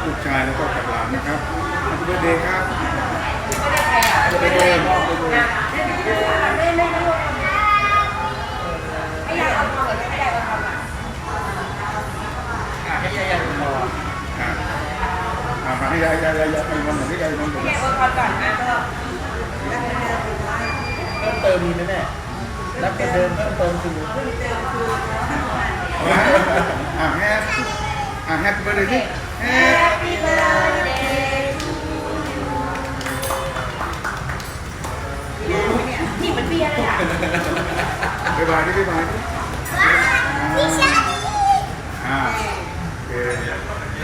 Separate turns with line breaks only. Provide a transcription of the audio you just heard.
ลูกชายแล้วก็กับหลานนะครับแฮปปี้เบิร์ดเดย์ครับแฮปปี้เบิร์ดเดย์
ให้ยายเอาทองหรือให้ยายเอาทอง
ให้ยายพอ
มาให้ยายให้มันเหมือนที่ยายมันเหมือน
ให้ยายเอาทองก่อนนะก็
เพิ่มเติมมีไหมแม่รับเงินเดิมเพิ่มเติมคือ
แฮปปี้เบิร์ดเดย์ที่
Happy birthday นี่มันเบียร์เลยอ่ะ
บ๊ายบายที่บ๊ายบาย